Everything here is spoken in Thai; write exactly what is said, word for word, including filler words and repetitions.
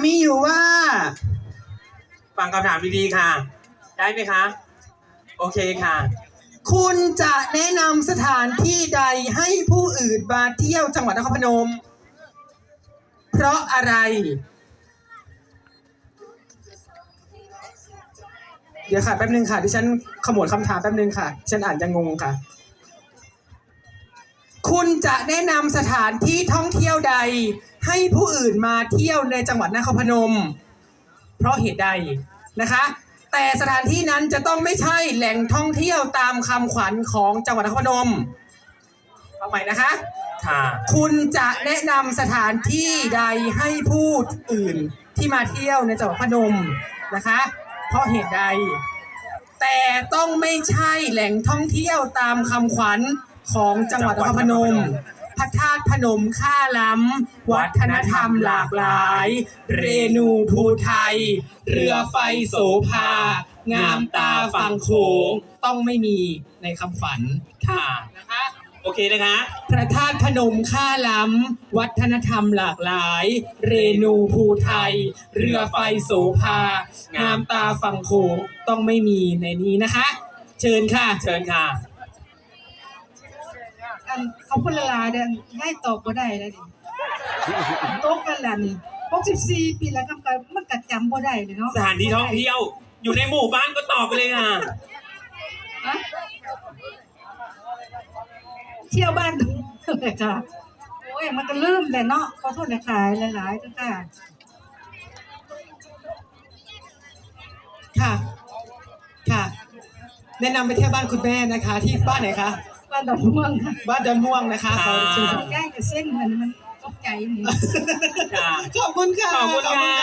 มีอยู่ว่าฟังคำถามดีๆค่ะได้ไหมคะโอเคค่ะคุณจะแนะนำสถานที่ใดให้ผู้อื่นมาเที่ยวจังหวัดนครพนมเพราะอะไรเดี๋ยวค่ะแป๊บนึงค่ะดิฉันขมวดคำถามแป๊บนึงค่ะดิฉันอ่านจะงงค่ะคุณจะแนะนำสถานที่ท่องเที่ยวใดให้ผู้อื่นมาเที่ยวในจังหวัดนครพนมเพราะเหตุใดนะคะแต่สถานที่นั้นจะต้องไม่ใช่แหล่งท่องเที่ยวตามคำขวัญของจังหวัดนครพนมเอาใหม่นะคะค่ะคุณจะแนะนำสถานที่ใดให้ผู้อื่นที่มาเที่ยวในจังหวัดพนมนะคะเพราะเหตุใดแต่ต้องไม่ใช่แหล่งท่องเที่ยวตามคำขวัญของจังหวัดนครพนมพระธาตุพนมค่าล้ำวัฒนธรรมหลากหลายเรนูภูไทยเรือไฟโสภางามตาฝั่งโขงต้องไม่มีในคำขวัญค่ะนะคะโอเคนะคะพระธาตุพนมค่าล้ำวัฒนธรรมหลากหลายเรนูภูไทยเรือไฟโสภางามตาฝั่งโขงต้องไม่มีในนี้นะคะเชิญค่ะเชิญค่ะอันเขาพูดละลาเดินง่ายตอบก็ได้แล้วดิโต๊ะกันละนี่หกสิบสี่ปีแล้วกำกับมันกัดจำบ่ได้เลยเนาะสถานที่ท่องเที่ยวอยู่ในหมู่บ้านก็ตอบไปเลยค่ะเที่ยวบ้านเลยค่ะโอ้ยมันก็ลืมเลยเนาะขอโทษนะขายหลายๆจ้าค่ะค่ะค่ะแนะนำไปเที่ยวบ้านคุณแม่นะคะที่บ้านไหนคะบ้านดอนม่วงค่ะบ้านดอนม่วงนะคะขอเชิญใกล้กับเส้นมันมันตกใจนี่ค่ะขอบคุณค่ะขอบคุณค่ะ